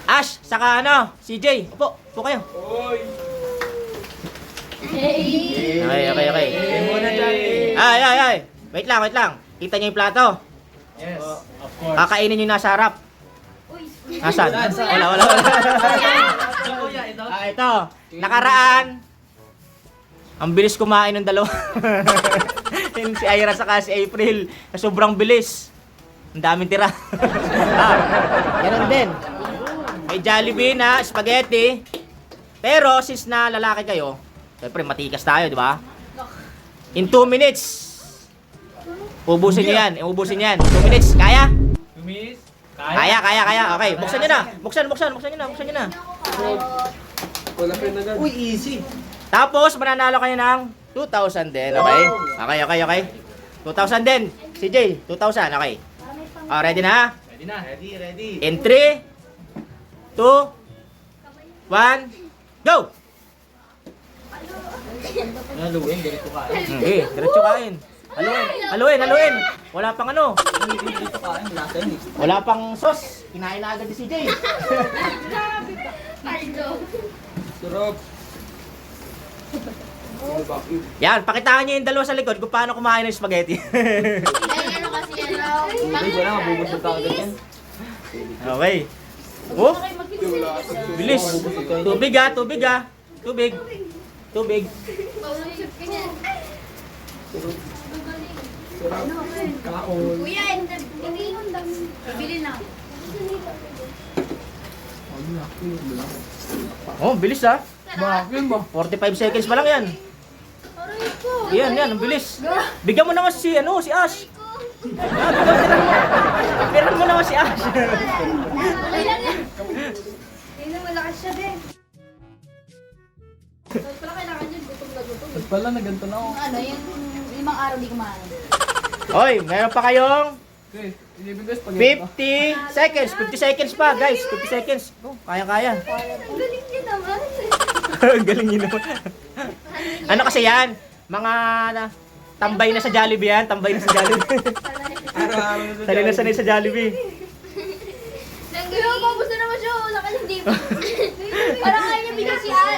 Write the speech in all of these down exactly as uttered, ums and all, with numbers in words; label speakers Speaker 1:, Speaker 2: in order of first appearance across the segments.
Speaker 1: Ash, saka ano, C J. Upo, upo kayo. Okay, okay, okay. Ay, ay, ay. Wait lang, wait lang. Kita niyo yung plato.
Speaker 2: Yes. Of course.
Speaker 1: Kakainin niyo nasa harap. Nasaan? Wala, wala, wala. Ah, ito. Nakaraan. Ang bilis kumain ng dalawa. Yung si Ira saka si April. Na sobrang bilis. Ang daming tira. Ah, ganun din. May Jollibee na spaghetti. Pero since na lalaki kayo, siyempre matikas tayo, di ba? In two minutes. Ubusin niyo yan. Ubusin niyo yan. two minutes. Kaya?
Speaker 2: Lumis.
Speaker 1: Kaya, kaya, kaya. Okay, buksan niyo na. Buksan, buksan, buksan niyo na. Buksan niyo na.
Speaker 3: Wala pa na. Uy, easy.
Speaker 1: Tapos, mananalo kayo ng two thousand din. Okay? Okay, okay, okay. two thousand din. C J, two thousand. Okay. Oh, ready na?
Speaker 2: Ready na.
Speaker 3: Ready, ready.
Speaker 1: In three, two, one, go!
Speaker 2: Naluin, ganito ka.
Speaker 1: Okay, diretso kain. Haluin, haluin, haluin. Wala pang ano.
Speaker 2: Dito kain, lasa yun eh.
Speaker 1: Wala pang sauce. Kinain na agad ni C J.
Speaker 3: Sarap.
Speaker 1: Yan, pakitaan niyo yung dalawa sa likod kung paano kumain ng spaghetti.
Speaker 4: Ano kasi ano?
Speaker 2: Tubig, wala, mabubusog ka agad yan.
Speaker 1: Okay. Oh, bilis. Tubig ah, tubig ah. Tubig. Tubig.
Speaker 4: Kuya, bibili na.
Speaker 1: Oh, bilis ah.
Speaker 3: Bakit ba?
Speaker 1: forty-five seconds pa lang yan.
Speaker 4: Aray ko.
Speaker 1: Yan, yan, ang bilis. Bigyan mo naman si, ano, si Ash. Ah, bigyan mo. Bigyan mo naman si Ash.
Speaker 4: Okay lang yan. Hindi na malakas siya din. Tapos pala kailangan yun, gutom na gutom.
Speaker 2: Ba't pala na ganito na ako?
Speaker 4: Yung ano, yung limang araw di kumain.
Speaker 1: Hoy, meron pa kayong
Speaker 2: Okay, ilibig ko spaghetti.
Speaker 1: fifty seconds. fifty seconds pa, guys. fifty seconds. Oh, kaya-kaya.
Speaker 4: Ang galing niya naman.
Speaker 1: Ang galing yun naman. Ano kasi yan? Mga na, tambay na sa Jollibee yan. Tambay na sa Jollibee.
Speaker 3: Araw-araw na
Speaker 1: Sanay na sanay sa Jollibee.
Speaker 4: Nanggayo, mabos na naman siya. Wala ka hindi. Parang kaya niya bigyan si Al.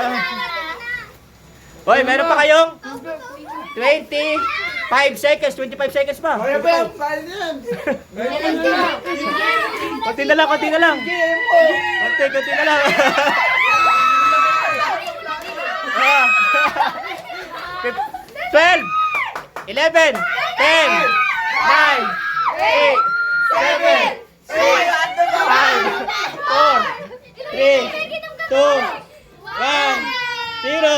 Speaker 1: Hoy, meron pa kayong twenty-five seconds. twenty-five seconds pa.
Speaker 3: Kaya ba yan? Kaya yan.
Speaker 1: Konti na lang, konti na lang. Konti, konti na lang. Ah. twelve, eleven, ten, nine, eight, seven, six, five, four, three, two, one, zero.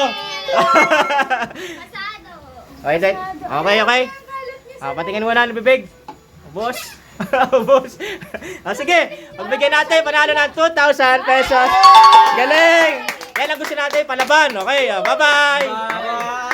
Speaker 1: Okay, then. Okay, okay. Ah, patingin mo na ng bibig. Boss. Boss. Ah, sige, pagbigyan natin panalo ng two thousand pesos. Galing! Yan ang gusto natin, palaban. Okay, ah, bye-bye!
Speaker 3: Bye.